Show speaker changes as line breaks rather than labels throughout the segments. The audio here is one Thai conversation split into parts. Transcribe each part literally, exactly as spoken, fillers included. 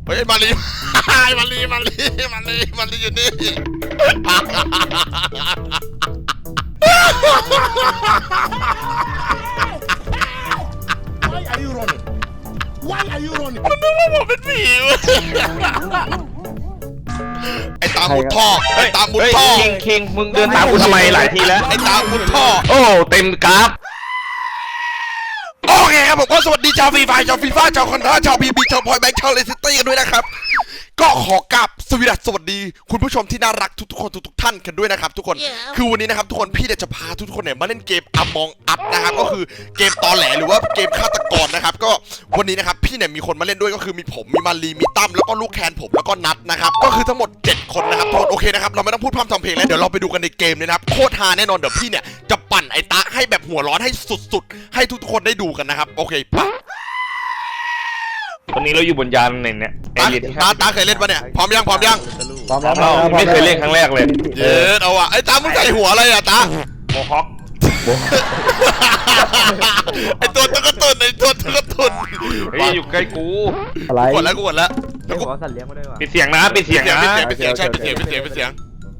เฮ้ยมาลีมาลีมาลีมาลีมาลีอยู่นี่
Why are you running Why are you running
มันนึกว่าผมเป็นผีไอ้ตามุดท่อไอ้ตามุดท่อ
คิงคิงมึงเดินตามกูทำไมหลายทีแล้ว
ไอ้ตามุดท่อ
โอ้เต็มกราฟ
โอเคครับผมก็สวัสดีชาวฟรีไฟชาวฟีฟ่าชาวคอนท่าชาวพีบีชาวพอยแบงค์ชาวเลสตี้กันด้วยนะครับก็ขอกราบสวัสดีสวัสดีคุณผู้ชมที่น่ารักทุกๆคนทุกๆท่านกันด้วยนะครับทุกคน yeah. คือวันนี้นะครับทุกคนพี่จะพาทุกคนเนี่ยมาเล่นเกม Among Us นะครับก็คือเกมตอแหลหรือว่าเกมฆาตกรนะครับก็วันนี้นะครับพี่เนี่ยมีคนมาเล่นด้วยก็คือมีผมมีมารีมีตั้มแล้วก็ลูกแคนผมแล้วก็นัทนะครับก็คือทั้งหมดเจ็ดคนนะครับทุกคนโอเคนะครับเราไม่ต้องพูดพร่ำทำเพลงแล้วเดี๋ยวเราไปดูกันในเกมเลยนะครับโคตรฮาแน่นอนเดี๋ยวพี่เนี่ยจะปั่นไอ้ตาให้แบบหัวร้อนให้สุดๆให้ทุกๆคนได้ดูกันนะครับโอเคปะ
วันนี้เราอยู่บนยานไหนเนี่ย
ตาตาตาเคยเล่นปะเนี่ยพร้อมยังพร้อมยัง
พร้อมแล้ว
ไม่เคยเล่นครั้งแรกเลย
เย็ดเอาอะไอ้ตามึงใส่หัวอะไรอะตา
โมฮอค
ไอ้ตัวตะกตุนไอ้ตัวตะกตุน
เฮ้ยอยู่ใกล้กู
อะไร
กดแล้วกดแล้ว
แล้วกูสัตว์เลี้ยงมาด้วยวะ
ปิดเสียงนะปิดเสียงนะ
ปิดเสียงใช่ปิดเสียงปิดเสียงปิดเสียง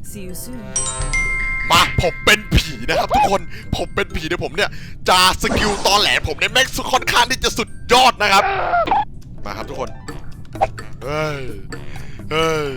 มาผมเป็นผีนะครับทุกคนผมเป็นผีเดี๋ยวผมเนี่ยจะสกิลตอแหลผมเนี่ยแม่งค่อนข้างที่จะสุดยอดนะครับมาครับทุกคนเฮ้ยเฮ้ย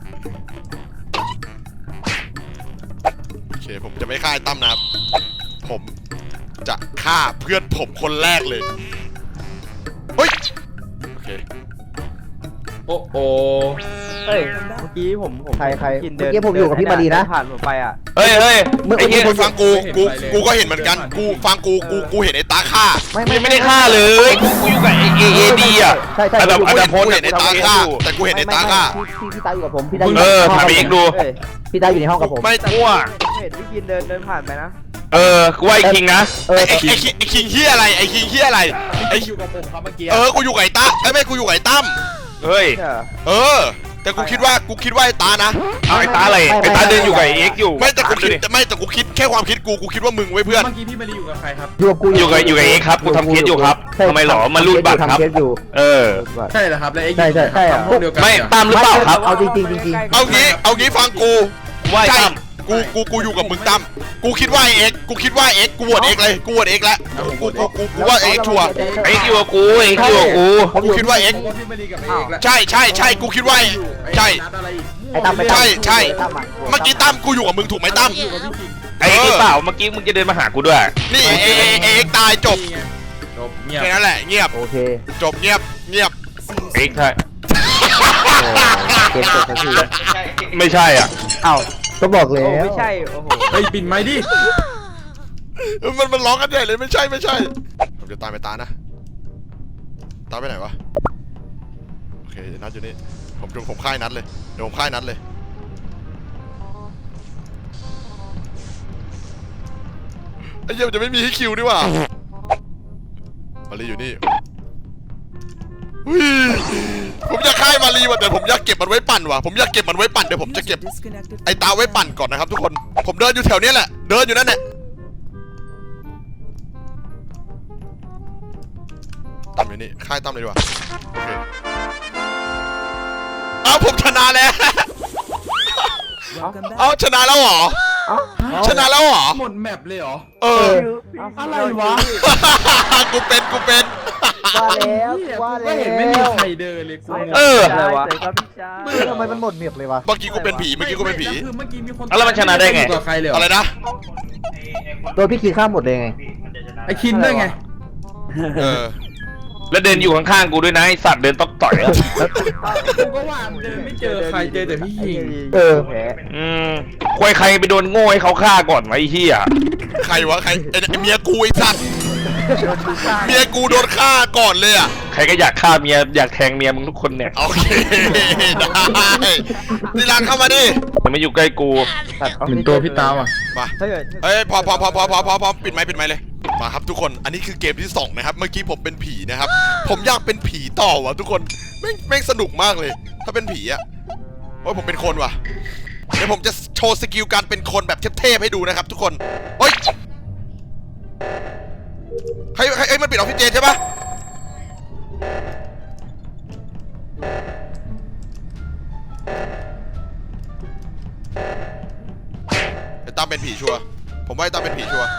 โอเคผมจะไม่ฆ่าไอ้ตั้มนะครับผมจะฆ่าเพื่อนผมคนแรกเลยเฮ้ยโอเค
โอ้โห
เฮ้ยเมื่อกี้ผมผมใครใครเมื่อกี้ผมอยู่กับพี่มาดีนะผ่านผมไปอ่ะ
เฮ้ยเฮ้ย
ไอ้เหี้ยฟังกูกูกูก็เห็นเหมือนกันกูฟังกูกูกูเห็นไอ้ตาฆ่า
ไม่
ไม่ไม่ได้ฆ่าเลยกูกูอยู่กับไอ้เอเอดีอ่ะ
ใช่ใช่
แบบอันดับโพส
เห็นไอ้ตาฆ่าแต่กูเห็นไอ้ตาฆ่า
พี่พี่ตาอยู่กับผมพี่ตา
เออถามเองดู
พี่ตาอยู่ในห้องกับผม
ไม่
มั่ว
เห็นพี่กินเดินเดินผ่านไปนะ
เออกูว่าไอ้คิงนะ
ไอ้ไอ้ไอ้คิงเฮียอะไรไอ้คิงเฮียอะไรไอ้
อยู่กับผมครับเมื่อกี้
เออกูอยู่กับไอ้ตาไอ้ไม่กูอยู่กับไอ้ตั้ม
เฮ้ย
เออแต่กูคิดว่ากูคิดว่าไอ้ตานะ
เอาไอ้ตาอะไรไอ้ตาเดินอยู่กับไอ้เอ็กอยู่
ไม่แต่กูคิดไม่แต่กูคิดแค่ความคิดกูกูคิดว่ามึงไว้เพื่อน
เมื่อกี้พี่มารีอยู่กับใครครับ
อยู่กับกู
อยู่กับอยู่กับเอ็กครับกูทำเคสอยู่ครับทำไมหรอมันรูดบัตรครับเออ
ใช่เหรอครับแล้วเอ็ก
ใช่ใช่ใช่
ไม่ตามหรือเปล่าครับ
เอาจริงจริงจริง
เอางี้เอางี้ฟังกู
ว่าใช่
กูกูกูอยู่กับมึงตั้มกูคิดว่าเอ็กกูคิดว่าเอ็กกูโหวตเอ็กเลยกูโหวตเอ็กแล้วกูกูกูกูว่าเอ็กชัวร์
เอ็กอยู่กับกูเอ็กอยู่กับกู
กูคิดว่าเอ็กใช่ใช่ใช่กูคิดว่าใช่ใช่ใช่เมื่อกี้ตั้มกูอยู่กับมึงถูกไหมตั้ม
ไอ้เปล่าเมื่อกี้มึงจะเดินมาหากูด้วย
นี่เอเอเอ็กตายจบ
จบเงียบ
แค่นั้นแหละเงียบ
โอเค
จบเงียบเงียบ
เอ็กใช่
เกมจบแล้วที
ไม่ใช่อ่ะ
อ้าวก็บอกเลยไม่ใช่โอ้โห
ไปปิดไม้ดิ
มันมันร้องกันใหญ่เลยไม่ใช่ไม่ใช่ผมจะตามไปตานะตาไปไหนวะโอเคนัดอยู่นี่ผมจงผมค่ายนัดเลยเดี๋ยวผมค่ายนัดเลยไอ้เหี้ยจะไม่มีให้คิวนี่ว่ะมารีอยู่นี่ผมอยากค่ายมารีว่ะแต่ผมอยากเก็บมันไว้ปั่นว่ะผมอยากเก็บมันไว้ปั่นเดี๋ยวผมจะเก็บไอ้ตาไว้ปั่นก่อนนะครับทุกคนผมเดินอยู่แถวนี้แหละเดินอยู่นั่นแหละตั้มอยู่นี่ค่ายตั้มเลยดีกว่าโอเคเอาผมชนะแล้วเอาชนะแล้วเหรอชนะแล้วเหรอ
หมดแมปเลยเหรอ
เออ
อะไรวะ
กูเป็นกูเป็น
ว่าแล้วว่าแล้ว
เห็นไม่มีใครเดินเลยกู
เออ
อะไรวะทำไมมันหมดเมียบเลยวะ
เมื่อกี้กูเป็นผีเมื่อกี้กูเป็นผี
คือเมื่อกี้มีคน
แล้วมันชนะได้ไง
อะไรนะ
โดนพี่คิดข้ามหมดเลยไง
ไอคินได้ไง
เออ
แล้วเดินอยู่ข้างๆกูด้วยนะไอสัตว์เดินต้องต่อยอ่ะ
กูก็ว่าเดินไม่เจอใครเจอแต่พี่ยิง
เออ
อืมควยใครไปโดนโง่ให้เขาฆ่าก่อนไว้ไอ้เหี้ย
ใครวะใครเมียกูไอ้สัตว์เมียกูโดนฆ่าก่อนเลยอ่ะ
ใครก็อยากฆ่าเมียอยากแทงเมียมึงทุกคนเนี่ย
โอเคได้ทีหลังเข้ามาดิ
มันไม่อยู่ใกล้กู
เป็นตัวพี่ตาว่ะ
มาเฮ้ยพอพอพอพอพอพอพอปิดไม้ปิดไม้เลยมาครับทุกคนอันนี้คือเกมที่สองนะครับเมื่อกี้ผมเป็นผีนะครับผมอยากเป็นผีต่อว่ะทุกคนแม่งแม่งสนุกมากเลยถ้าเป็นผีอ่ะโอ้ยผมเป็นคนว่ะเดี๋ยวผมจะโชว์สกิลการเป็นคนแบบเทพๆให้ดูนะครับทุกคนเฮ้ยใครใครมันปิดออกซิเจนใช่ปะตั้มเป็นผีชัวร์ผมว่าไอ้ตั้มเป็นผีชัวร์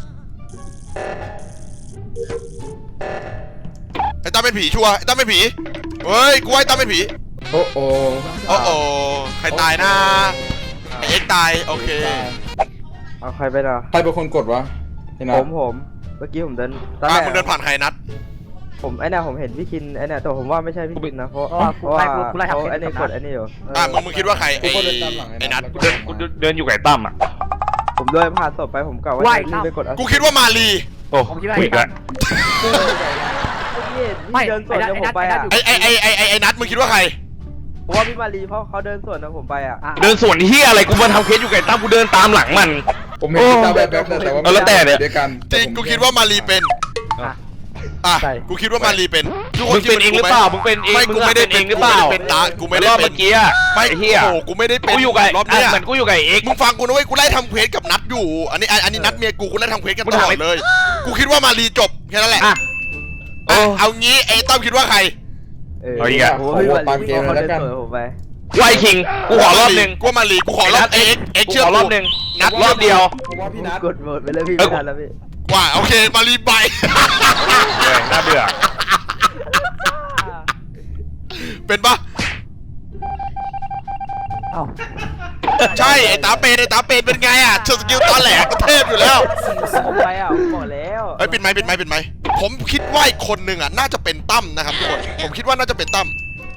ไอ้ตั้มเป็นผีชัวร์ไอ้ตั้มเป็นผีเฮ้ยกูว่าไอ้ตั้มเป็นผี
โอ้โห
โอ้โหใครตายนะไอ้เอ็กซ์ตายโอเค
เอาใครไปนะ
ใครเป็นคนกดวะไอ้นั
ผ
ท
มผมเมื่อกี้ผมเดินตอน
อ่ะ
แรก
มึงเดินผ่านใครนัด
ผมไอ้เนี่ยผมเห็นพี่คินไอ้เนี่ยแต่ผมว่าไม่ใช่พี่คินนะเพราะเพราะว่าเขาไอ้นี่กดไอ้นี่อยู่
อ่ะมึงมึงคิดว่าใครไอ้
กูก็เดินตามหลัง
ไอ้นัด
แล้ว
กูเดินกูเดินอยู่ไก่ตั้มอ่ะ
ผมเดินผ่านศพไปผมกะว่าจะรีบไปกด
กูคิดว่ามาลี
โอ้กูอีกแล้ว
ไม่เดินสวนกับผมไปอ่ะ
ไอ้ไอ้ไอ้ไอ้ไอ้ไอ้นัดมึงคิดว่าใคร
เพราะว่าพี่มารีเพราะเขาเดินสวนกับผมไปอ่ะ
เดินสวนที่อะไรกูมาทำเคสอยู่ไก่ตั้มกูเดินตามหลังมัน
ผมเห็นพี่ตาแบบแบบแต่ว่า
เอาแล้วแต่เนี่ย
ด้วยกัน
จริงกูคิดว่ามาลีเป็นอ่ะกูคิดว่ามาลีเป็นทุกค
มึ
น
ง
คิด
เป็นเองหรือเปล่ามึงเป็นเอง
ไม่
มึ
กู
ง
ไม่ได้
เป็นเองหรือเปล่า
กูไม่ได้เป็นตากูไม่ได้
รอบ
เป็
เมื่อกี้อะ
ไม่
ไอ้เหี้ย
โอ้กูไม่ได้เป็น
กูอยู่ไก่
รอบเนี้ย
เหมือนกูอยู่ไก่เอ็ก
มึงฟังกูนะเว้ยกูไล่ทำเควสกับนัดอยู่ อันนี้อันนี้นัดเมียกูกูไล่ทำเควสกัน
มึง
ตล
ถาม
อ
ไอ้
ดเลย กูคิดว่ามารีจบแค่นั้นแหละ
อ่ะ
อ่ะ
โอ้
เอางี้ไอ้ต้อมคิดว่าใคร
เออ
เอาอีกอะ
โอ้ยพี่มารีเขาเดินสวนกับผมไป
ไวคิงกูขอรอบหนึ่ง
กูว่ามารีกูขอรอบเอ็กเอ็ก
กู
เชื่อ
ขอรอบ
กู
หนึ่ง
นัด
รอบเดียว
ผมว่าพี่นัท
กดโหวตไปเลยพี่
เอ้ย
ไม่ทันแล้วพี่
ว่าโอเคมารีไป
เออน่าเบื่อ
เป็นปะ
เอ้า
ใช่ไอ้ตาเป็นไอ้ตาเป็นเป็นไงอ่ะเชิญสกิลตอนแหลกก็เทพอยู่แล้ว
ผมไปอ่ะผมบอกแล้ว
เฮ้ยปิดไม้ปิดไม้ปิดไม้ผมคิดว่าอีกคนหนึ่งอ่ะน่าจะเป็นตั้มนะครับทุกคนผมคิดว่าน่าจะเป็นตั้ม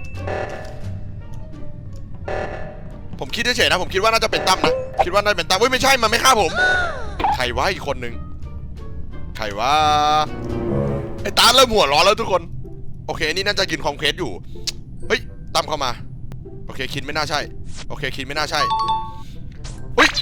ผมคิดเฉยๆนะผมคิดว่าน่าจะเป็นตั้มนะคิดว่าน่าจะเป็นตั้มเฮ้ยไม่ใช่มันไม่ฆ่าผมใครวะอีกคนหนึ่งใครวะไอ้ตาเริ่มหัวร้อนแล้วทุกคนโอเคนี่น่าจะกินคอมเคสอยู่เฮ้ยตั้มเข้ามาโอเคคินไม่น่าใช่โอเคคินไม่น่าใช่เฮ้ย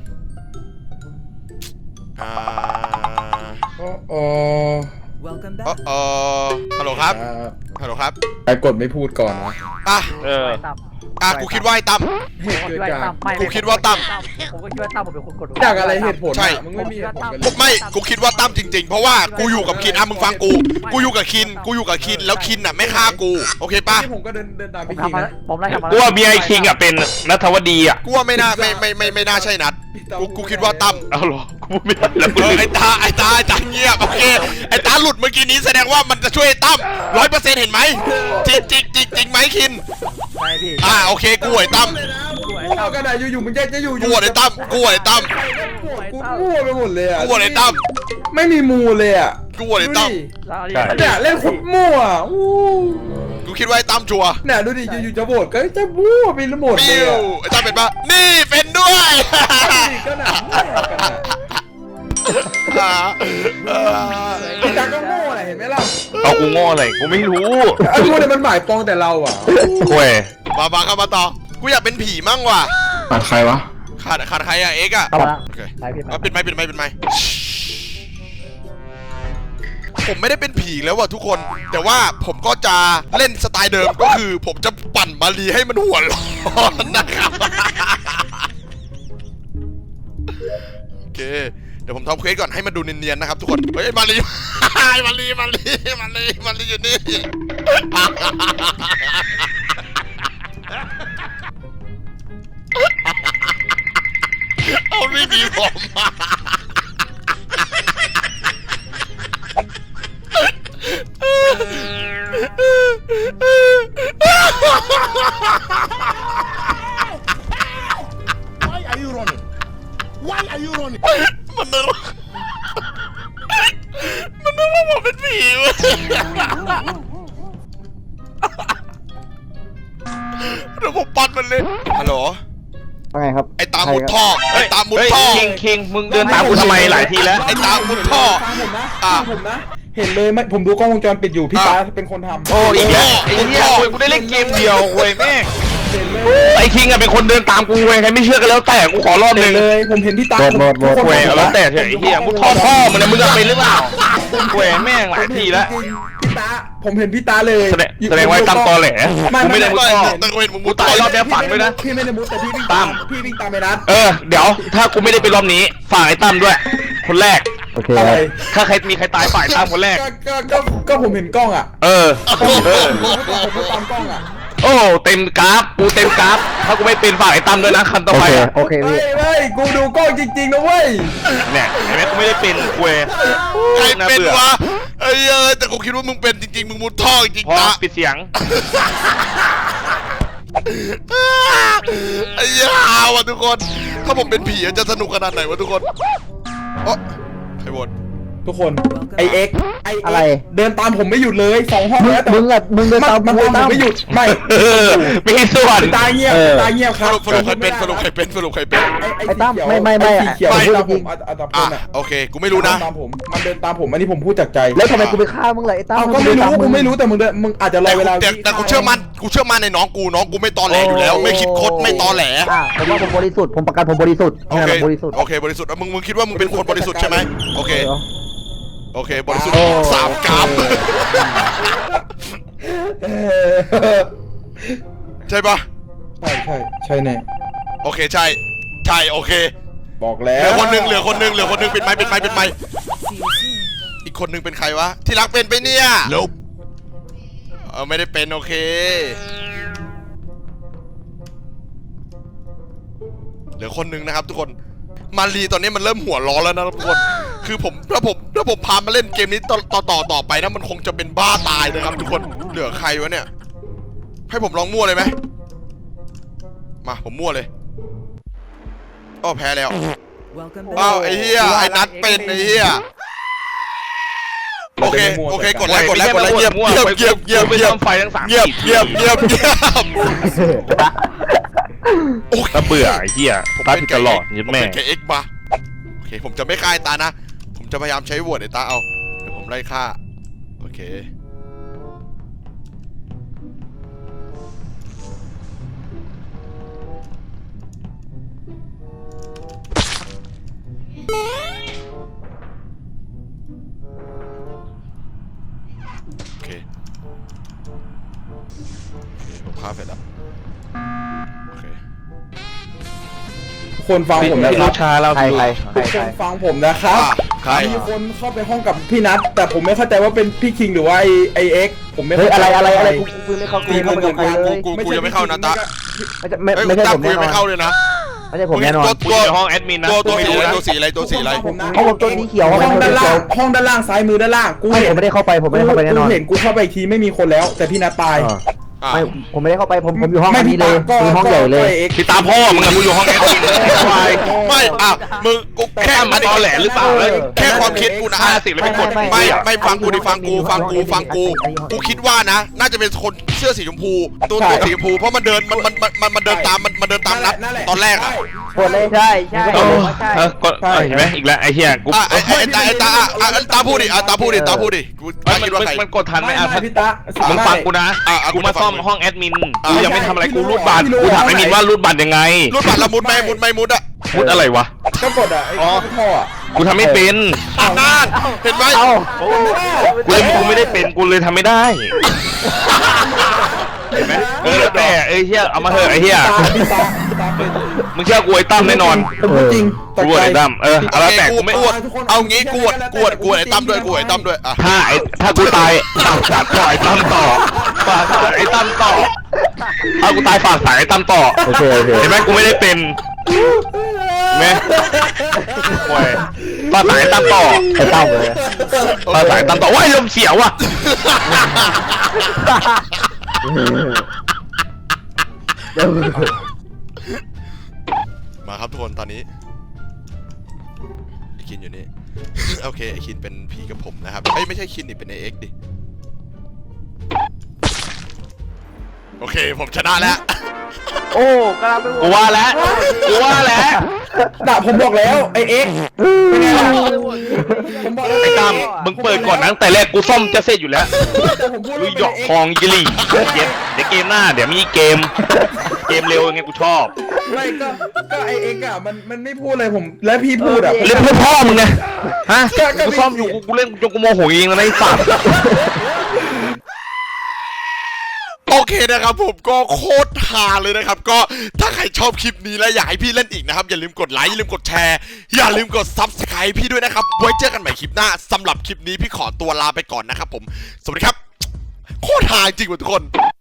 อ่า
โอ้โห
Welcome
เออ
back.
เออฮัลโหลครับ
อ่า
ฮัลโหลครับ
ใครกดไม่พูดก่อนวะ
อ่ะ
เออ
อ่ะกูคิดว่าไอ้ตั้ม
ช่วยกัน
กูคิดว่าตั้ม
ผมก็คิดว่าตั้มผมเป็นคนกด
จากอะไรเหตุผล
ใช่
อะมึงไม่มีเหตุผลกันเล
กู
ย
ไม่กูคิดว่าตั้มจริงๆ เพราะว่ากูอยู่กับคินอ่ะมึงฟังกู กูอยู่กับคิน กูอยู่กับคินแล้วคินอ่ะไม่ฆ่ากู โอเคปะ
ที่ผมก็เดินเดินตาม
ผม
พี่คิง
ทำมา
นะ
ผมไล่ทำมา
กูว่าเบียร์คิงอ่ะเป็นนัทวดีอ่ะ
กูว่าไม่น่าไม่ไม่ไม่ไม่น่าใช่นัด กูกูคิดว่าตั้ม
เอาเหรอกูไม่ได้แล้วกู
เออ
ลืม
ไอ้ตาไอ้ตาไอ้ตาเงียบโอเคไอ้ตาหลุดเมื่อกี้นี้แสดงว่ามันจะช่วยไอ้ตั้มร้อยเปอร์เซ็นต์เห็นไหมจริงจริงจริงจริงไหมคิน
ใช่พี่
อ่าโอเคกูไอ้ตั้ม
กูเอากระดาษอยู่ๆมึงจะจะอยู่
กูไอ้ตั้มกูไอ้ตั้ม
กูมั่วไปหมดเลยอ่ะ
กูไอ้ตั้ม
ไม่มีมูเลยอ่ะ
กูไอ้ตั้ม
ดูดิเนี่ยเล่นคุดมั่วอ่ะอู้
กูคิดว่าไอ้ตั้มชัวร์
เนี่ยดูดิอยู่ๆจะโหวตก็จะมั่วไปหมดเล
ปิ้
ยว อะ
ไอ้ตั้มเป็นปะนี่เป็นด้วย
ก็หนาแน่กันอะ
อ่าเออ
ไอ้ตาก็โง่แหละเห็นไหมล่ะ
เอากูโง่อะไรกูไม่รู้
ไอ้พวกเนี่ยมันหมายปองแต่เราอ่ะ
เว้ย
มามาเข้ามาต่อ กูอยากเป็นผีมั่งว่ะ
ตัดใครวะ
ขาดขาดใครอะเอ็กซ์อะ
เข้ามา
โอเค
ไปพี่
เอาปิดไมค์ปิดไมค์ปิดไมค์ผมไม่ได้เป็นผีแล้วว่ะทุกคน แต่ว่าผมก็จะเล่นสไตล์เดิมก็คือ ผมจะปั่นมารีให้มันหัวร้อนนะครับ โอเค เดี๋ยวผมทำเควสก่อนให้มันดูเนียนๆนะครับทุกคน เฮ้ยมารี มารีมารีมารีมารีอยู่นี่ เอาไม่มีผมมา
Why are you running? Why are you running?
มันนึกว่ามันนึกว่าผมเป็นผีเว้ยเดี๋ยวผมปัดมันเลย ฮัลโหล
ว่าไงครับ
ไอ้ตามุดท่อ ไอ้ตามุด
เฮ้ย
ท่อ
คิงคิงมึงเดินตามกูทำไมหลายทีแล้ว
ไอ้ตามุดท่อ
ฟังผมนะ
อ่ะ
ฟังผมนะ เห็นเลยไม่ผมดูกล้องวงจรปิดอยู่พี่ตาเป็นคนทำ
โอ้อีกแล้วไอ้เหี้ยเว้ยกูได้เล่นเกมเดียวเว้ยแม่ง
เห็นเลย
ไอ้คิงอ่ะเป็นคนเดินตามกูเว้ยใครไม่เชื่อกันแล้วแต่กูขอรอบห
เห็
นึ่
น
ง
เลยผมเห็นพี่ตา
โหวตโหวตโหวต
ทุกคน
เว้ยเอาแล้วแต่เถอะไอ้เหี้ยมึงพ่อพ่อมึงนะมึงอะเป็นหรือเปล่าเว้ยแม่งหลายทีแล้ว
จริงๆพี่ตาผมเห็นพี่ตาเลย
แสดงแสดงว่าตามตอแหลกูไม่ได้มุด
ไม่
ท่อ
แต่กูเห็นมึงมุ
กู
ด
ตา
ท่
ย
อ
รอบเนี้ยฝันด้วยนะ
พี่ไม่ได้มุดแต่พี่วิ่ง
ตาม
พี่วิ่งตามไปนัด
เออเดี๋ยวถ้ากูไม่ได้เป็นรอบนี้ฝากไอ้ตั้มด้วย คนแรก
โอเค
อะไร
ถ้าใครมีใครตายฝ่ายตั้มคนแรก
ก็ก็ก็ก็ผมเห็นกล้องอ่ะ
เออ
ผม
เออ
ผมผมตามกล้องอ่ะ
โอ้เต็มกราฟกูเต็มกราฟถ้ากูไม่เป็นฝ่ายไอ้ตั้มด้วยนะคันต่อ
โอ
ไป
เค
อะ
โอเคพี่
เฮ้ยเฮ้ยกูดูกล้องจริงๆนะเว้ย
เนี่ยเห็นไหมกูไม่ได้เป็นกูเอง
ใคร
น่า
เป็น
บื่อ
วะไอ้เอ้ยแต่กูคิดว่ามึงเป็นจริงๆมึงมุดท่อจริง
พอ
ๆนะ
ปิดเสียง
ไอ้ยาวอ่ะทุกคน ถ้าผมเป็นผีจะสนุกขนาดไหนวะทุกคนโอ้ใครบน
ทุกคนไอเอ็กไอ
อะไร
เดินตามผมไม่หยุดเลยสองห้องแล้วแต่
มึงอะมึงเดิน
มัน
ตาม
มัน
กู
ตามผมไม่หยุดไม่
เออไม่ให้ส่วน
ตายเงียบ
เออ
ตายเงียบค
ส
รับ
รุปสรุปใครเป็นสรุปใครเป็นสรุปใครเป็น
ไอ้ตั้มไม่ไม่ไม่
อ้สีเขียว
ไม่
เดินตามผมอัตอัตพ
อ่ะ
ลอะ
โอเค กูไม่รู้นะ
เดิตามผมมันเดินตามผมอันนี้ผมพูดจากใจ
แล้วทำไมกูไปฆ่ามึงล่ะไอ้ตั้ม
เอาก็ไม่รู้กูไม่รู้แต่มึงเดินมึงอาจจะร
แต่
อเว
กู
ลา
แต่แต่กูเชื่อมั่นกูเชื่อมั่นในน้องกูน้องกูไม่ตอแหลอยู่แล้ว ไม่คิดคดไม่ตอแหล
อ่ะผมว่าผมบริสุทธิ์ผมประกันผมบริสุทธิ์
โอเค
ผมบริสุทธิ์
โอเคบริสุทธิ์อ่ะมึงมึงคิดว่ามึงเป็นคนบริสุทธิ์ใช่ไหมโอเค
เออ
โอเคบริสุทธิ์สามกรัม
เออ
ใช่ปะ
ใช่ใช่ใช่แน่
โอเคใช่ใช่โอเค
บอกแล้
เหลื
ว
อคนหนึ่งเหลือคนหนึ่งเหลือคนหนึ่งเป็นไม้เป็นไม้เป็นไม้อีกคนหนึ่งเป็นใครวะที่รักเป็นไปเนี่ยเออไม่ได้เป็นโอเคเหลือคนหนึ่งนะครับทุกคนมารีตอนนี้มันเริ่มหัวร้อนแล้วนะครับทุกคนคือผมถ้าผมถ้าผมพามาเล่นเกมนี้ต่อต่อต่อต่อไปนะมันคงจะเป็นบ้าตายนะครับทุกคนเหลือใครวะเนี่ยให้ผมลองมั่วเลยไหมมาผมมั่วเลยอ้อแพ้แล้วอ้าวไอ้เหี้ยไอ้นัดเป็นไอ้เหี้ยโอเคโอเคกดไลค์กดไลค์กดไลค์เงียบเงียบเงียบเงียบ
ไป
เงียบ
ทำไฟทั้งสาม
เงียบเงียบเงียบเงียบโอ้ย
ถ้าเบื่อไอ้เหี้ยตาผิดตลอดยัด
ผม
แม่
เป็นแกเอ็กมาโอเคผมจะไม่ฆ่าไอ้ตานะผมจะพยายามใช้โหวตไอ้ตาเอาเดี๋ยวผมไล่ฆ่าโอเคโอเคโอเคผมฆ่าเสร็จแล้วโอเค
ทุกคนฟังผมนะ
พี่
ครั
รู้
บ
ชาเรา
ใคร
พี่
ใคร
รู้
ใคร
ทุก
ใค
ค
ร
นฟังผมนะครับ
อ่ะใคร
มีคนเข้าไปห้องกับพี่นัทแต่ผมไม่เข้าใจว่าเป็นพี่คิงหรือว่าไอไอเอ็กผมไม่
เฮ้ย
เข้า
อะไร
ใจ
อะไรอะไรกูกูไม่เข้ากูไม่เข้าไปกับใครเลย
กูกูยังไม่เข้านะตา
ไม่ใช่ไม่
เอ้ย
ไม่ใช่
ตา
ผม
กู
แน่
ยัง
นอ
ไม่
น
เข้าเลยนะ
ไม่ใช่ผมแน่นอน
ตัว
กู
ตัว
อยู่ในห้องแอดมินนะ
ตัวตัวสี
ไม่
อะไร
รู้นะ
ตัวสีอะไรตัวสีอะไร
ผมนะ
เพราะผมตัวนี้เขียว
ห้
ห้
องด้านล่าง
เขียว
ห้องด้านล่างซ้ายมือด้านล่างกู
ไม่
เห็
ผ
น
มไม่ได้เข้าไปผมไม่ได้เข้าไปแน่นอน
กูเห็นกูเข้าไปอีกทีไม่มีคนแล้ว แต่พี่นัทตาย
เออ
อ่ะ
ไม่ผมไม่ได้เข้าไปผมผมอยู่ห้อง
ไม่
อัน
พี่
นี้เล
ตาย ก็
คือห้องใหญ่เลย
ก็ไอ้ X
พี่ตาพ่อมึงอะกูอยู่ห้องแอดมินสบาย
ไม่อ่ะมึงกูแค่
แค่มันตอแหลหรือเปล่าเลย
แค่ความคิดกูนะ
ห้าสิบแล้วไม่กด
ไม่ไม่ฟังกูดิฟังกูฟังกูฟังกูกูคิดว่านะ น่าจะเป็นคนเสื้อสีชมพูตัวตัวสีชมพูเพราะมันเดินมันมันมันมันมันเดินตามมันมันเดินตามนัด
นั่นแหละ
ตอนแรกอ่ะ
กดเลยใช่ใช่
เออเออกดเออเห็นไหมอีกแล้วไอ้เหี้ยกู
อ่ะไอ้ไอ้ไอ้ตาไอ้ตาอ่ะอ่ะตาพูดดิอ่ะตาพูดดิตาพูดดิกู
เอ้
ตาย
มัน
คิดว่า
มัน
ใคร
มันกดทันไหม
ไม่
อ่ะ
ไม่พี่ตา
มึงฟังกูนะ
อ่ะอ่ะ
กูมาซ่อม
กูฟัง
ห้องแอดมิน
อ่ะ
กูยังไม่ทำอะไรกูรูดบัตรกูถามไอ้มินว่ารูดบัตรยังไง
รูดบัตรละมุดไหมมุดไหมมุดอ่ะ
มุดอะไรวะ
ก็กดอ่ะไอ้ท่ออ่ะ
กูทำไม่เป็น
อ่ะนั่นเห็นไหม
เอ้า
กูเลยกูไม่ได้เป็นกูเลยทำไม่ได้เห็นไหมเออแล้วแต่ไอ้เหี้ยเอามาเถอะไอ้เหี้ย
พี่ตาพี่ตาเป็น
มึงเชื่อกูไอ้ตั้มแน่นอน
ผมพูดจริงต
กู
กใจ
ไอ้ตั้มเออเอาแล้วแต่
กู
กูไม่
กวดเอางี้กวดกวดกวดไอ้ตั้มด้วยกวดไอ้ตั้มด้วยอ่ะ
ถ้าไอ้ถ้ากูตายฝากสายต่อไอ้ตั้มต่อฝากสายไอ้ตั้มต่อถ้ากูตายฝากสายไอ้ตั้มต่อ
โอเคโอเค
เห็นไหมกูไม่ได้เป็นเห็นไหมโอ้ยฝากสายไอ้ตั้มต่อ
ไอ้เต้าเลย
ฝากสายไอ้ตั้มต่อว้ายลมเสียวอ่ะ
เดี๋ยว
มาครับทุกคนตอนนี้ไอคินอยู่นี่ โอเคไอคินเป็นผีกับผมนะครับเอ้ยไม่ใช่คินดิเป็นไอเอ็กซ์ดิโอเคผมชนะแล้ว
โอ้กำลังไป
กูว่าแล้วกูว่าแล้ว
ด่าผมบอกแล้วไอเอ็กเป็นไงล่ะผมบอกแล้ว
ไอ้ตั้มมึงเปิดก่อนนะตั้งแต่แรกกูซ่อมจะเสร็จอยู่แล้ว
แต่ผมพูด
ลุ
ว่าย
หยอกทองยิลี่เย็ดเดี๋ยวเกมหน้าเดี๋ยวมีเกม เกมเร็วยังไงกูชอบ
ไม่ก็ก็ไอเอ็กอ่ะมันมันไม่พูดเลยผมและพี่พูดอ่ะ
เล่นเพื่อพ่อมึงไงฮะกูซ่อมอยู่กูกูเล่นจนกูโมโหเองแล้วนะไอ้สัตว์
โอเคนะครับผมก็โคตรฮาเลยนะครับก็ถ้าใครชอบคลิปนี้และอยากให้พี่เล่นอีกนะครับอย่าลืมกดไลค์อย่าลืมกดแชร์อย่าลืมกด ซับสไครบ์ พี่ด้วยนะครับไว้เจอกันใหม่คลิปหน้าสำหรับคลิปนี้พี่ขอตัวลาไปก่อนนะครับผมสวัสดีครับโคตรฮาจริงว่ะทุกคน